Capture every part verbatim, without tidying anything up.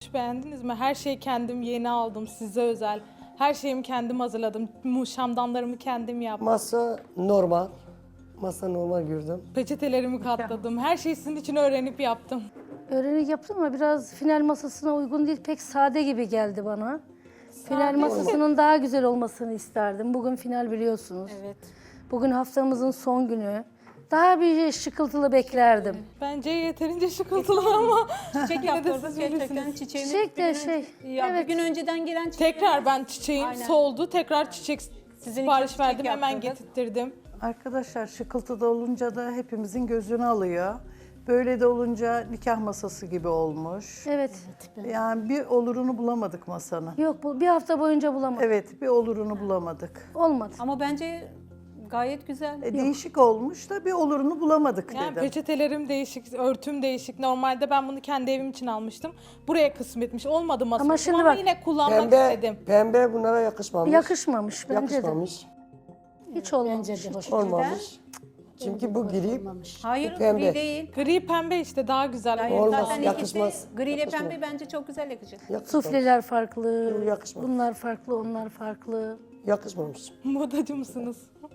olmuş, beğendiniz mi? Her şeyi kendim yeni aldım, size özel. Her şeyimi kendim hazırladım. Mu- Şamdanlarımı kendim yaptım. Masa normal. Masa normal gördüm. Peçetelerimi katladım. Her şeyi sizin için öğrenip yaptım. Öğrenik yaptım ama biraz final masasına uygun değil. Pek sade gibi geldi bana. Final masasının daha güzel olmasını isterdim. Bugün final biliyorsunuz. Evet. Bugün haftamızın son günü. Daha bir şıkıltılı beklerdim. Bence yeterince şıkıltılı ama Çiçek yine de yaptırdık siz gerçekten bilirsiniz. çiçeğimiz. Çiçek de bir gün şey, önce- Ya evet. bir gün önceden gelen çiçek. tekrar ben çiçeğim Aynen. soldu. Tekrar çiçek Sizin sipariş için çiçek verdim, hemen yaptırdık. getirttirdim. Arkadaşlar şıkıltıda olunca da hepimizin gözünü alıyor. Böyle de olunca nikah masası gibi olmuş. Evet. Yani bir olurunu bulamadık masanın. Yok bu bir hafta boyunca bulamadım. Evet, bir olurunu bulamadık. Olmadı. Ama bence gayet güzel. E, değişik olmuş da bir olurunu bulamadık Yani dedim. peçetelerim değişik, örtüm değişik. Normalde ben bunu kendi evim için almıştım. Buraya kısmetmiş. Olmadı masa. Ama Ama, şimdi bak, yine kullanmak Pembe, istedim. pembe bunlara yakışmamış. Yakışmamış bence Yakışmamış. de. Hiç olmamış. hiç. Olmamış. Çünkü bu gri. Hayır Bu pembe. gri değil. Gri pembe işte daha güzel. Hayır, Olmaz, zaten yakışmaz. ikisi gri ile Yakışmaz. pembe bence çok güzel yakışır. Yakışmamış. Sufleler farklı. Yok, yakışmadı. Bunlar farklı, onlar farklı. Yakışmamış. Modacı mısınız?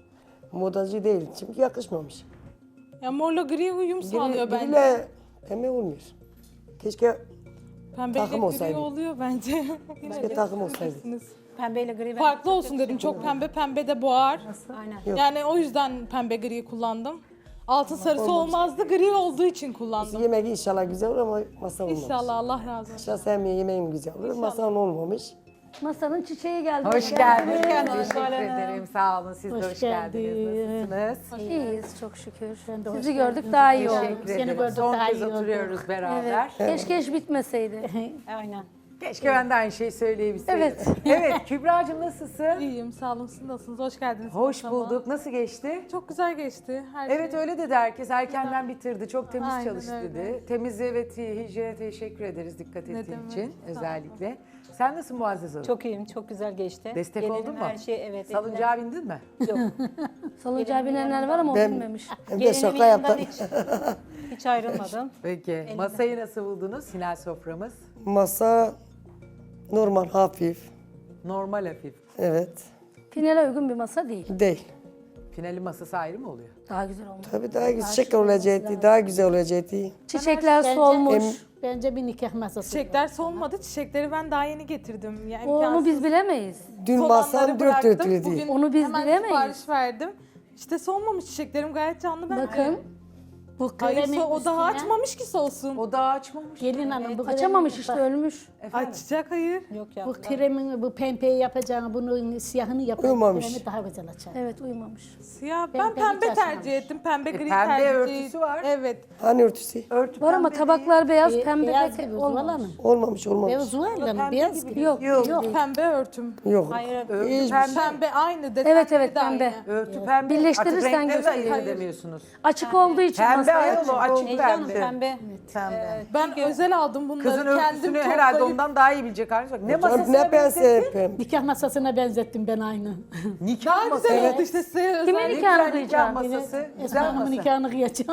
Modacı değil çünkü yakışmamış. Ya morla gri uyum sağlıyor Gri, bence. griyle pembe olmuyor. Keşke Pembeyle takım gri olsaydı. oluyor bence. keşke takım olsaydı. Pembeyle gri. Farklı olsun dedim. Çok pembe pembe de boğar. Aynen. Yok. Yani o yüzden pembe gri kullandım. Altın sarısı olmazdı. Gri olduğu için kullandım. Yemeği inşallah güzel olur ama masa olmamış. İnşallah Allah razı olsun. Şahsen yemeğim güzel olur. Masan olmamış. Masanın çiçeği geldi. Hoş geldiniz. geldiniz. Teşekkür Zuhal Hanım. ederim. Sağ olun. Siz de hoş, Hoş geldiniz. geldin. Nasılsınız? İyiyiz çok şükür. Ben de hoş Sizi geldin. gördük daha iyi oldu. Teşekkür Seni ederim. gördük, Son daha kez iyi olduk. oturuyoruz beraber. Evet. Keşke hiç bitmeseydi. Aynen. Keşke ben de aynı şeyi söyleyebilseydim. Evet. Evet Kübra'cığım nasılsın? İyiyim, sağ olun. Siz nasılsınız? Hoş geldiniz. Hoş masama. bulduk. Nasıl geçti? Çok güzel geçti. Her Evet şey. öyle dedi herkes. Erkenden bitirdi. Çok temiz Aynen çalıştı öyle. dedi. Temizliğe ve ti- hijyene teşekkür ederiz dikkat Ne ettiğin demek. için Sağ olun. özellikle. Sen nasılsın Muazzez Hanım? Çok iyiyim. Çok güzel geçti. Destek Gelinim oldun mu? Her şey evet. Salıncağa bindin mi? elinden- Yok. Salıncağı binenler var ama o Ben- bilmemiş. Hem de Gelinimin şaka yanından yaptım. hiç, hiç ayrılmadım. Peki. Masayı nasıl buldunuz? Final soframız. Masa normal, hafif. Normal hafif. Evet. Finale uygun bir masa değil. Değil. Finali masası ayrı mı oluyor? Daha güzel olmuş. Tabii daha güzel çiçek olacaktı, daha güzel olacaktı. Çiçekler Bence- solmuş. Bence bir nikah masası. Çiçekler solmadı. Çiçekleri ben daha yeni getirdim. Yani Onu biz bilemeyiz. Dün Solanları masam dört bıraktım. dörtlüydü. Bugün Onu biz hemen bilemeyiz. sipariş verdim. İşte solmamış çiçeklerim gayet canlı. Ben Bakın Bu Hayır, kremin so- o daha üstüne açmamış ki solsun. O daha açmamış. Gelin hanım bu açamamış kremin- işte ölmüş. Açacak hayır. Yok ya. Bu kremin bu pembeyi yapacağını, bunun siyahını yapacağını Uyumamış. kremi daha güzel açar. Evet uyumamış. Siyah. Ben, Ben- ben pembe hiç tercih açmamış. ettim. Pembe gri pembe tercih. örtüsü var. Evet. Hani örtüsü? Örtü Var ama pembe tabaklar beyaz, Be- pembe beyaz pek gibi Zuhal olmamış. Hanım. Olmamış, olmamış. Beyaz Zuhal Hanım, pembe beyaz gibi gibi. Yok. Yok. Yok. Pembe örtüm. Yok. Hayır. Örtü Hiçbir pembe. Pembe aynı. Desenleri Evet, evet, de aynı. pembe. Örtü pembe. Birleştirirsen Artık renkleri de gösteriyor. ayırt edemiyorsunuz. Açık olduğu için Pembe masaya ayol o açık Necla Hanım pembe. pembe. Pembe. Ben özel aldım bunları. Kızın Kendim örtüsünü toplayıp- herhalde ondan daha iyi bilecek haliniz bak. Ne masasına Ne pense benzettin? pem. Nikah masasına benzettim ben aynı. Nikah Daha masası. güzel oldu işte size özel. Kimin Ne nikahını güzel nikah kıyacağım? masası. Esma Güzel Hanım'ın masa. nikahını kıyacağım.